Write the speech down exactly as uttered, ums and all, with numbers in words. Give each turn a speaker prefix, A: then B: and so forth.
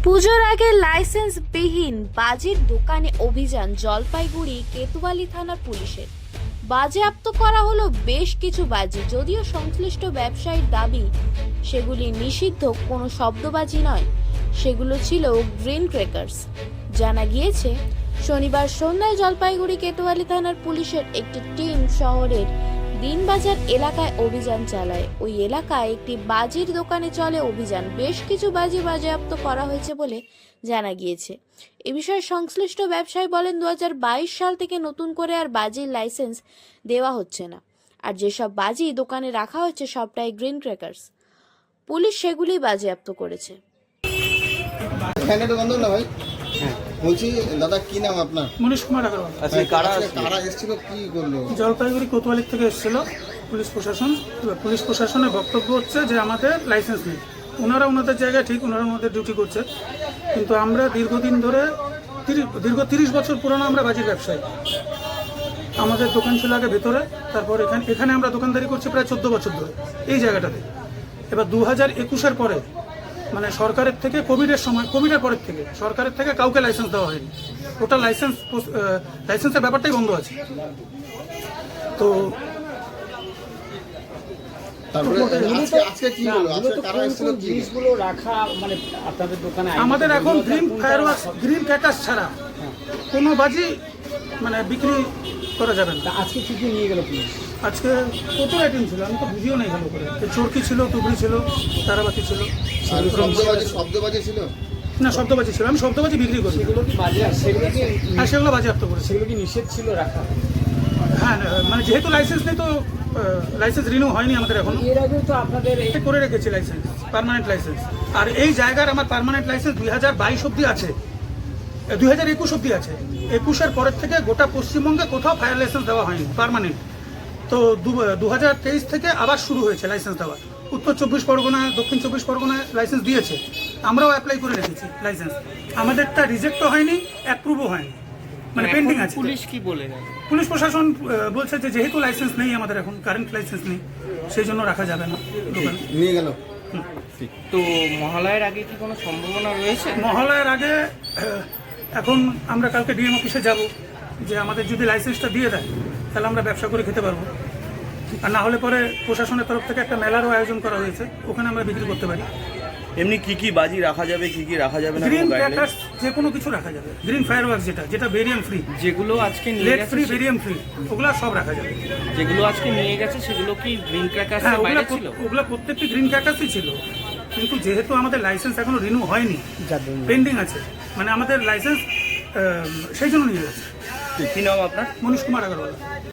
A: পুজোর আগে লাইসেন্সবিহীন বাজির দোকানে অভিযান জলপাইগুড়ি কেতুয়ালি থানার পুলিশের। বাজেয়াপ্ত করা হলো বেশ কিছু বাজি, যদিও সংশ্লিষ্ট ব্যবসায়ীর দাবি সেগুলি নিষিদ্ধ কোনো শব্দবাজি নয়, সেগুলো ছিল গ্রিন ক্র্যাকার্স। জানা গিয়েছে, শনিবার সন্ধ্যায় জলপাইগুড়ি কেতুয়ালি থানার পুলিশের একটি টিম শহরের দিনবাজার এলাকায় অভিযান চালায়। ওই এলাকায় একটি বাজির দোকানে চলে অভিযান। বেশ কিছু বাজি বাজেয়াপ্ত করা হয়েছে বলে জানা গিয়েছে। এ বিষয়ে সংশ্লিষ্ট ব্যবসায়ী বলেন, দু হাজার বাইশ সাল থেকে নতুন করে আর বাজির লাইসেন্স দেওয়া হচ্ছে না, আর যেসব বাজি দোকানে রাখা হচ্ছে সবটাই গ্রিন ক্র্যাকার্স। পুলিশ সেগুলি বাজেয়াপ্ত করেছে।
B: বলছি দাদা, কি নাম আপনার?
C: মনীশ কুমার আগরওয়াল।
B: আচ্ছা, কারা কারা এসেছিল, কি করলো?
C: জলপাইগুড়ি কোতোয়ালি থেকে এসেছিল পুলিশ প্রশাসন। এবার পুলিশ প্রশাসনের বক্তব্য হচ্ছে যে আমাদের লাইসেন্স নেই। ওনারা ওনাদের জায়গায় ঠিক, ওনারা ওনাদের ডিউটি করছে, কিন্তু আমরা দীর্ঘদিন ধরে তিরিশ দীর্ঘ তিরিশ বছর পুরনো আমরা বাজির ব্যবসায়ী। আমাদের দোকান ছিল আগে ভেতরে, তারপর এখানে এখানে আমরা দোকানদারি করছি প্রায় চোদ্দ বছর ধরে এই জায়গাটাতে। এবার দু হাজার একুশের পরে, মানে সরকারের থেকে কোভিডের সময়, কোভিডের পরের থেকে সরকারের থেকে কাউকে লাইসেন্স দেওয়া হয়নি। ওটা লাইসেন্স লাইসেন্সের ব্যাপারটাই বন্ধ আছে। তো আমাদের এখন গ্রিন ফায়ারওয়ার্কস, গ্রিন ক্র্যাকার্স ছাড়া কোনো বাজি মানে বিক্রি করা যাবে না।
D: আজকে কি কি নিয়ে গেল পুলিশ?
C: আজকে কত আইটেম ছিল আমি তো বুঝিও নেই ভালো করে। চরকি ছিল, টুকরি ছিল, তারাবাতি ছিল,
B: শব্দবাজি ছিল
C: না শব্দবাজি ছিল। আমি শব্দবাজি বিক্রি করি।
D: সেগুলো কি বাজে? সেগুলো কি
C: হ্যাঁ, সেগুলো বাজেয়াপ্ত করেছি।
D: সেগুলো কি নিষেধ ছিল রাখা?
C: হ্যাঁ, মানে যেহেতু লাইসেন্স নেই তো লাইসেন্স রিনিউ হয়নি আমাদের এখনো।
D: এর আগে তো আপনাদের এই
C: করে রেখেছি লাইসেন্স, পার্মানেন্ট লাইসেন্স। আর এই জায়গার আমার পার্মানেন্ট লাইসেন্স দুই হাজার বাইশ অব্দি আছে, দুই হাজার একুশ অব্দি আছে। একুশের পরের থেকে গোটা পশ্চিমবঙ্গে কোথাও ফায়ার লাইসেন্স দেওয়া হয়নি পার্মানেন্ট। তো দু হাজার তেইশ থেকে আবার শুরু হয়েছে লাইসেন্স দেওয়া। উত্তর চব্বিশ পরগনা, দক্ষিণ চব্বিশ পরগনায় লাইসেন্স দিয়েছে, আমরাও অ্যাপ্লাই করে রেখেছি লাইসেন্স। আমাদেরটা রিজেক্টও হয়নি, অ্যাপ্রুভও হয়নি, মানে পেন্ডিং আছে।
D: পুলিশ কি বলে?
C: পুলিশ প্রশাসন বলছে যে যেহেতু লাইসেন্স নেই আমাদের এখন, কারেন্ট লাইসেন্স নেই, সেই জন্য রাখা যাবে না দোকানে।
B: নিয়ে গেল।
D: তো মহালয়ের আগে কি কোনো সম্ভাবনা রয়েছে?
C: মহালয়ের আগে এখন আমরা কালকে ডিএম অফিসে যাব, যে আমাদের যদি লাইসেন্সটা দিয়ে দেয় তাহলে আমরা ব্যবসা করে খেতে পারবো, আর না হলে পরে প্রশাসনের তরফ থেকে একটা মেলারও আয়োজন করা হয়েছে, ওখানে আমরা বিক্রি করতে পারি।
E: এমনি কি কি বাজি রাখা যাবে, কি কি রাখা যাবে না?
C: গ্রিন ক্র্যাকার্স যে কোনো কিছু রাখা যাবে, গ্রিন ফায়ারওয়ার্কস যেটা যেটা বেরিয়াম ফ্রি,
D: যেগুলো আজকে নিয়ে
C: লেট
D: গেছে,
C: ফ্রি, বেরিয়াম ফ্রি, ওগুলো সব রাখা যাবে।
D: যেগুলো আজকে নিয়ে গেছে সেগুলো কি গ্রিন ক্র্যাকার্স
C: হ্যাঁ,
D: এর
C: ওগুলো
D: বাইরে ছিল?
C: ওগুলো প্রত্যেকটি গ্রিন ক্র্যাকার্সই ছিল, কিন্তু যেহেতু আমাদের লাইসেন্স এখনো রিনিউ হয়নি, পেন্ডিং আছে, মানে আমাদের লাইসেন্স সেই জন্য নিয়ে গেছে।
E: কি নাম আপনার?
C: মনীশ কুমার আগরওয়াল।